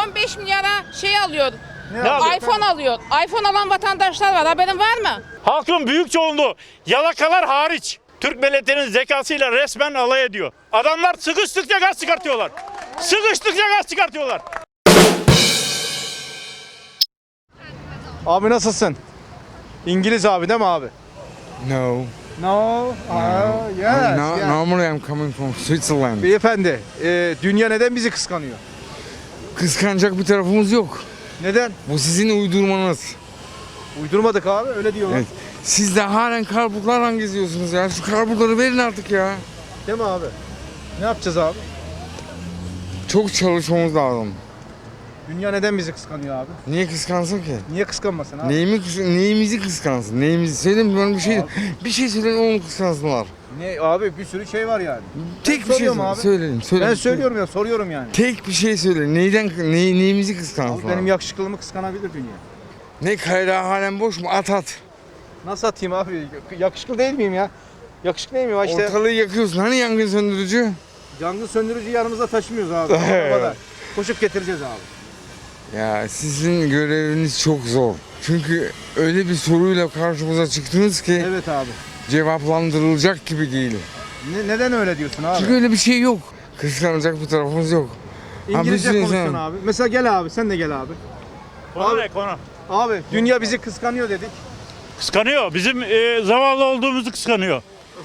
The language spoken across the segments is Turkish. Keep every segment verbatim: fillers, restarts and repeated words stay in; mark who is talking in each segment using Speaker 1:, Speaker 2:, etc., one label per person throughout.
Speaker 1: on beş milyara şey alıyor.
Speaker 2: Ne
Speaker 1: iPhone alıyor. iPhone alan vatandaşlar var. Haberin var mı?
Speaker 2: Halkın büyük çoğunluğu yalakalar hariç Türk milletinin zekasıyla resmen alay ediyor. Adamlar sıkıştıkça gaz çıkartıyorlar. Sıkıştıkça gaz çıkartıyorlar.
Speaker 3: Abi nasılsın? İngiliz abi değil mi abi?
Speaker 4: No.
Speaker 3: No. Aa, yes,
Speaker 4: no
Speaker 3: yes.
Speaker 4: Normally I'm coming from Switzerland.
Speaker 3: Beyefendi, e, dünya neden bizi kıskanıyor?
Speaker 4: Kıskanacak bir tarafımız yok.
Speaker 3: Neden?
Speaker 4: Bu sizin uydurmanız.
Speaker 3: Uydurmadık abi, öyle diyorlar.
Speaker 4: Evet. Siz de halen karpuzlarla geziyorsunuz ya. Şu karpuzları verin artık ya.
Speaker 3: Değil mi abi? Ne yapacağız abi?
Speaker 4: Çok çalışmamız lazım.
Speaker 3: Dünya neden bizi kıskanıyor abi?
Speaker 4: Niye kıskansın ki?
Speaker 3: Niye kıskanmasın abi?
Speaker 4: Neyimi kıs neyimizi kıskansın? Neyimizi söyleyin bana bir şey. Bir şey söyleyin onu kıskansınlar.
Speaker 3: Ne abi, bir sürü şey var yani.
Speaker 4: Tek bir şey
Speaker 3: soruyorum
Speaker 4: söyle-
Speaker 3: abi.
Speaker 4: söyleyin. söyleyin.
Speaker 3: Ben söylüyorum ya, soruyorum yani.
Speaker 4: Tek bir şey söyle. Neyden ney, neyimizi
Speaker 3: Abi
Speaker 4: kıskansınlar?
Speaker 3: benim yakışıklılığımı kıskanabilir dünya.
Speaker 4: Ne kayrağı halen boş mu? At at.
Speaker 3: Nasıl atayım abi? Yakışıklı değil miyim ya? Yakışıklı değil miyim? Ha İşte
Speaker 4: Ortalığı yakıyorsun. Hani yangın söndürücü?
Speaker 3: yangın söndürücü yanımıza taşımıyoruz abi. Arabada. Koşup getireceğiz abi.
Speaker 4: Ya sizin göreviniz çok zor. Çünkü öyle bir soruyla karşımıza çıktınız ki
Speaker 3: Evet abi.
Speaker 4: cevaplandırılacak gibi değil.
Speaker 3: Ne, neden öyle diyorsun abi?
Speaker 4: Çünkü öyle bir şey yok. Kıskanacak bir tarafımız yok.
Speaker 3: İngilizce
Speaker 4: Abi,
Speaker 3: konuşuyorsun
Speaker 4: sen-
Speaker 3: abi. Mesela gel abi, sen de gel abi.
Speaker 2: Konu
Speaker 3: Abi-
Speaker 2: ne konu?
Speaker 3: Abi dünya bizi kıskanıyor dedik.
Speaker 2: Kıskanıyor. Bizim e, zavallı olduğumuzu kıskanıyor.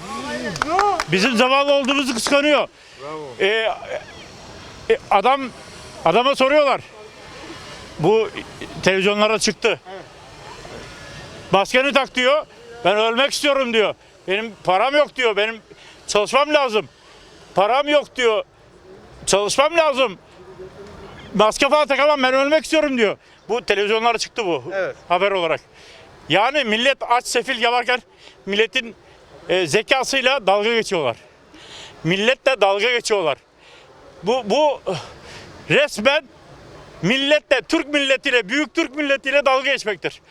Speaker 2: Bizim zavallı olduğumuzu kıskanıyor. E, e, adam adama soruyorlar. Bu televizyonlara çıktı. Maskeni tak diyor. Ben ölmek istiyorum diyor. Benim param yok diyor. Benim çalışmam lazım. Param yok diyor. Çalışmam lazım. Maske falan takamam, ben ölmek istiyorum diyor. Bu televizyonlara çıktı bu
Speaker 3: Evet.
Speaker 2: haber olarak. Yani millet aç sefil yalarken milletin e, zekasıyla dalga geçiyorlar. Milletle dalga geçiyorlar. Bu bu resmen milletle, Türk milletiyle, büyük Türk milletiyle dalga geçmektir.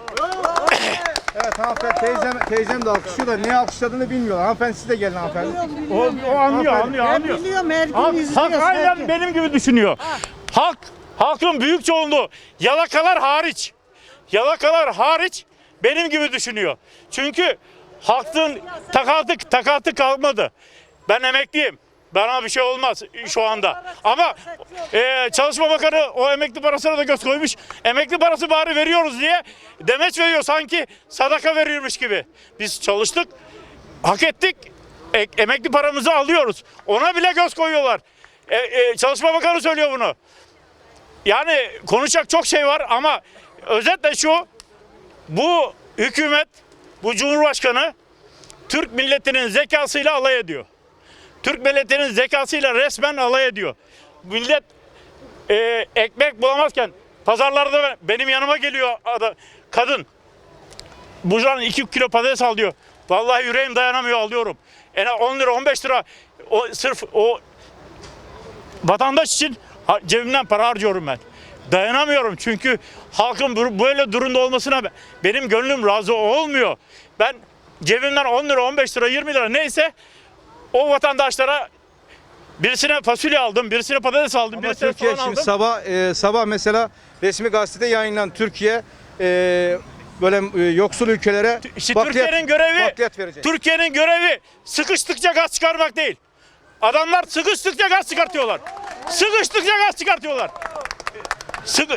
Speaker 3: Evet hanımefendi, teyzem, teyzem de alkışlıyor da niye alkışladığını bilmiyor. Hanımefendi siz de gelin hanımefendi.
Speaker 2: O, o anlıyor, anlıyor,
Speaker 5: Ben
Speaker 2: anlıyor.
Speaker 5: biliyorum, her gün
Speaker 2: Halk,
Speaker 5: izliyoruz.
Speaker 2: halk aynen
Speaker 5: herkes.
Speaker 2: benim gibi düşünüyor. Halk, halkın büyük çoğunluğu yalakalar hariç, yalakalar hariç benim gibi düşünüyor. Çünkü halkın takatı, takatı kalmadı. Ben emekliyim. Bana bir şey olmaz şu anda. Ama e, Çalışma Bakanı o emekli parasına da göz koymuş. Emekli parası bari veriyoruz diye demeç veriyor, sanki sadaka veriyormuş gibi. Biz çalıştık, hak ettik, e, emekli paramızı alıyoruz. Ona bile göz koyuyorlar. E, e, Çalışma Bakanı söylüyor bunu. Yani konuşacak çok şey var ama özetle şu: bu hükümet, bu Cumhurbaşkanı Türk milletinin zekasıyla alay ediyor. Türk milletinin zekasıyla resmen alay ediyor. Millet e, ekmek bulamazken pazarlarda benim yanıma geliyor adam, kadın. Buradan iki kilo patates al diyor. Vallahi yüreğim dayanamıyor, alıyorum. En az on lira on beş lira o, sırf o vatandaş için ha, cebimden para harcıyorum ben. Dayanamıyorum çünkü halkın böyle durumda olmasına benim gönlüm razı olmuyor. Ben cebimden on lira on beş lira yirmi lira neyse o vatandaşlara, birisine fasulye aldım, birisine patates aldım,
Speaker 3: Ama
Speaker 2: birisine
Speaker 3: Türkiye
Speaker 2: soğan
Speaker 3: şimdi
Speaker 2: aldım.
Speaker 3: sabah e, sabah mesela resmi gazetede yayınlanan Türkiye e, böyle e, yoksul ülkelere
Speaker 2: İşte
Speaker 3: bakliyat-
Speaker 2: Türkiye'nin görevi,
Speaker 3: bakliyat verecek.
Speaker 2: Türkiye'nin görevi sıkıştıkça gaz çıkarmak değil. Adamlar sıkıştıkça gaz çıkartıyorlar. Sıkıştıkça gaz çıkartıyorlar. Sıkı,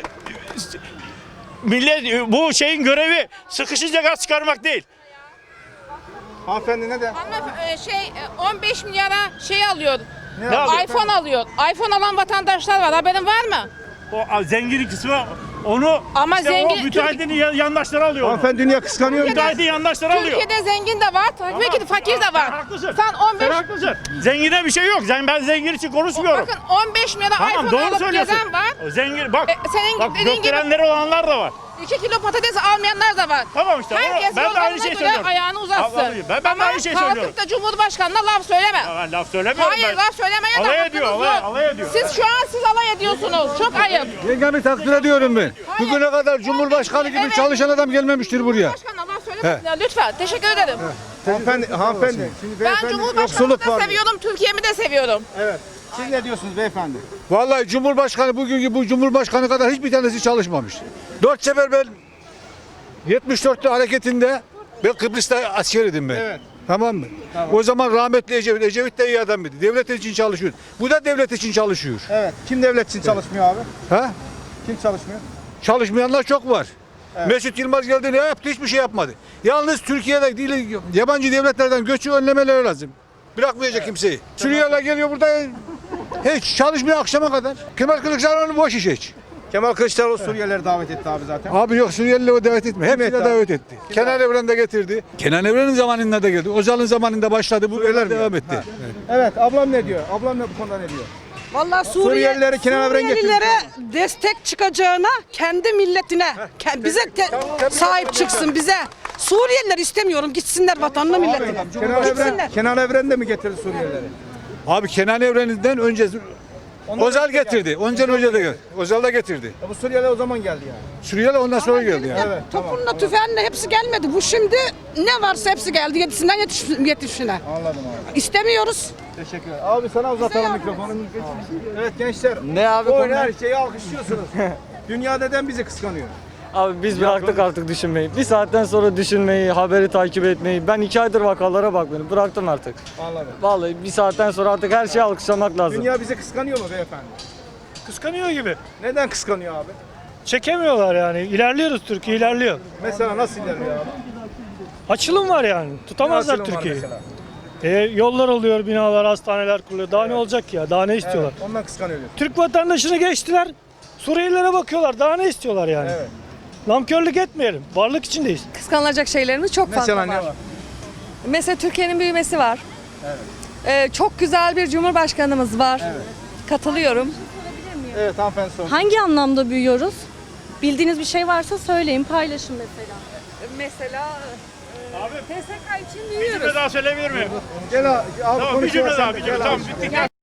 Speaker 2: millet, bu şeyin görevi sıkışınca gaz çıkarmak değil.
Speaker 3: Hanımefendi ne de?
Speaker 1: Hanımefendi, şey e, on beş milyara şey alıyor.
Speaker 3: Ne
Speaker 2: alıyor?
Speaker 1: iPhone alıyor. iPhone alan vatandaşlar var. Haberin var mı?
Speaker 2: O zengin kısmı onu
Speaker 1: Ama
Speaker 2: işte
Speaker 1: zengin-
Speaker 2: o müteahhitin yan- yandaşları alıyor. onu.
Speaker 3: Hanımefendi dünya kıskanıyor mu?
Speaker 2: Müteahhitin yandaşları alıyor.
Speaker 1: Türkiye'de zengin de var, tabii ki de fakir de
Speaker 2: Sen
Speaker 1: var.
Speaker 2: haklısın.
Speaker 1: Sen on beş
Speaker 2: Sen haklısın. Zengine bir şey yok. Sen, ben zengin için konuşmuyorum.
Speaker 1: bakın on beş milyara
Speaker 2: Tamam,
Speaker 1: iPhone
Speaker 2: doğru
Speaker 1: alıp
Speaker 2: söylüyorsun.
Speaker 1: gezen var.
Speaker 2: O zengin bak.
Speaker 1: E, senin
Speaker 2: bak
Speaker 1: dediğin gibi-
Speaker 2: gökdelenleri olanlar da var.
Speaker 1: iki kilo patates almayanlar da var.
Speaker 2: Tamam işte.
Speaker 1: Herkes
Speaker 2: o, ben de aynı
Speaker 1: yollarına
Speaker 2: şeyi
Speaker 1: göre
Speaker 2: söylüyorum.
Speaker 1: ayağını uzatsın.
Speaker 2: Al- alayım. Ben, ben de
Speaker 1: Ama
Speaker 2: aynı şeyi söylüyorum.
Speaker 1: kalkıp da Cumhurbaşkanı'na laf söyleme.
Speaker 2: Ya ben laf söylemiyorum
Speaker 1: Hayır,
Speaker 2: ben.
Speaker 1: laf söylemeye de
Speaker 2: Alay
Speaker 1: hakkınız
Speaker 2: ediyor, alay-
Speaker 1: yok.
Speaker 2: alay ediyor.
Speaker 1: Siz şu an siz alay ediyorsunuz. Çok ayıp.
Speaker 6: Yengemi takdir ediyorum ben. Bugüne kadar Cumhurbaşkanı gibi
Speaker 1: Evet.
Speaker 6: çalışan adam gelmemiştir buraya.
Speaker 1: Cumhurbaşkanı'na laf söylemesin ya, lütfen. Teşekkür ederim.
Speaker 3: Hanımefendi, hanımefendi. Şimdi
Speaker 1: Ben
Speaker 3: beyefendi
Speaker 1: Cumhurbaşkanı'nı
Speaker 3: yoksulluk
Speaker 1: da
Speaker 3: var.
Speaker 1: seviyorum, Türkiye'mi de seviyorum.
Speaker 3: Evet. Siz ne diyorsunuz beyefendi?
Speaker 6: Vallahi Cumhurbaşkanı bugünkü bu Cumhurbaşkanı kadar hiçbir tanesi çalışmamış. Dört sefer ben yetmiş dörtte hareketinde ben Kıbrıs'ta askeriydim ben.
Speaker 3: Evet.
Speaker 6: Tamam mı? O zaman rahmetli Ecevit, Ecevit de iyi adamdı. Devlet için çalışıyor. Bu da devlet için çalışıyor.
Speaker 3: Evet. Kim devlet için çalışmıyor abi?
Speaker 6: Ha?
Speaker 3: Kim çalışmıyor?
Speaker 6: Çalışmayanlar çok var. Mesut Yılmaz geldi ne yaptı? Hiçbir şey yapmadı. Yalnız Türkiye'de değil, yabancı devletlerden göçü önlemeleri lazım. Bırakmayacak kimseyi. Suriyeliler geliyor burada hiç çalışmıyor akşama kadar. Kemal Kılıçdaroğlu boş iş hiç.
Speaker 3: Kemal Kılıçdaroğlu Suriyelileri davet etti abi zaten.
Speaker 6: Abi yok Suriyelileri o davet etme. Hepsine
Speaker 3: etti abi?
Speaker 6: davet etti. Kenan Evren de getirdi. Kenan Evren'in zamanında da geldi. Özal'ın zamanında başladı. Bu
Speaker 3: Suriyeliler mi
Speaker 6: devam
Speaker 3: geldi?
Speaker 6: etti.
Speaker 3: Evet. Ablam ne diyor? Ablam ne bu konuda ne diyor?
Speaker 5: Vallahi Suriye,
Speaker 3: Suriyelileri Kenan Evren getirdi.
Speaker 5: Suriyelilere destek çıkacağına kendi milletine, ke- bize te- sahip çıksın bize. Suriyeliler istemiyorum gitsinler vatanına milletine.
Speaker 3: Kenan Evren,
Speaker 5: Gitsinler.
Speaker 3: Kenan Evren de mi getirdi Suriyelileri?
Speaker 6: Abi Kenan Evren'den önce
Speaker 3: Ondan
Speaker 6: Özal
Speaker 3: önce geldi.
Speaker 6: getirdi. Ondan önce de geldi. Özal da getirdi.
Speaker 3: Ya bu Suriyeliler o zaman geldi yani.
Speaker 6: Suriyeli ondan sonra geldi yani.
Speaker 3: Evet, tamam,
Speaker 5: Topunla tüfeğinle hepsi gelmedi. Bu şimdi ne varsa hepsi geldi. Yetisinden yetiş, yetişine.
Speaker 3: Anladım abi.
Speaker 5: İstemiyoruz.
Speaker 3: Teşekkür ederim. Abi sana uzatalım mikrofonu. Evet gençler.
Speaker 7: Ne abi
Speaker 3: Oyun
Speaker 7: konu?
Speaker 3: her şeyi alkışlıyorsunuz. Dünya neden bizi kıskanıyor?
Speaker 7: Abi biz bıraktık artık düşünmeyi. Bir saatten sonra düşünmeyi, haberi takip etmeyi. Ben iki aydır vakalara bakmıyorum. Bıraktım artık.
Speaker 3: Anladım.
Speaker 7: Vallahi bir saatten sonra artık her şeyi alkışlamak lazım.
Speaker 3: Dünya bizi kıskanıyor mu beyefendi?
Speaker 8: Kıskanıyor gibi.
Speaker 3: Neden kıskanıyor abi?
Speaker 8: Çekemiyorlar yani. İlerliyoruz, Türkiye ilerliyor.
Speaker 3: Mesela nasıl ilerliyor abi?
Speaker 8: Açılım var yani. Tutamazlar
Speaker 3: Ne açılım var
Speaker 8: Türkiye'yi.
Speaker 3: mesela?
Speaker 8: E, yollar oluyor, binalar, hastaneler kuruluyor. Daha ne olacak ki ya? Daha ne istiyorlar?
Speaker 3: Evet, ondan kıskanıyor diyor.
Speaker 8: Türk vatandaşını geçtiler. Suriyelilere bakıyorlar. Daha ne istiyorlar yani?
Speaker 3: Evet.
Speaker 8: Namkörlük etmeyelim. Varlık içindeyiz.
Speaker 9: Kıskanılacak şeylerimiz çok fazla
Speaker 3: Mesela ne
Speaker 9: var.
Speaker 3: var?
Speaker 9: Mesela Türkiye'nin büyümesi var. Ee, çok güzel bir cumhurbaşkanımız var. Katılıyorum.
Speaker 3: Evet hanımefendi sorun.
Speaker 9: Hangi anlamda büyüyoruz? Bildiğiniz bir şey varsa söyleyin, paylaşın mesela. Mesela
Speaker 2: Abi
Speaker 9: T S K için
Speaker 2: bir
Speaker 9: büyüyoruz.
Speaker 2: cümle daha söyleyebilir miyim?
Speaker 3: Gel abi, abi
Speaker 2: Tamam bir cümle
Speaker 3: konuşuyorsan
Speaker 2: daha
Speaker 3: da
Speaker 2: bir
Speaker 3: gel
Speaker 2: cümle.
Speaker 3: abi.
Speaker 2: Tamam bitti.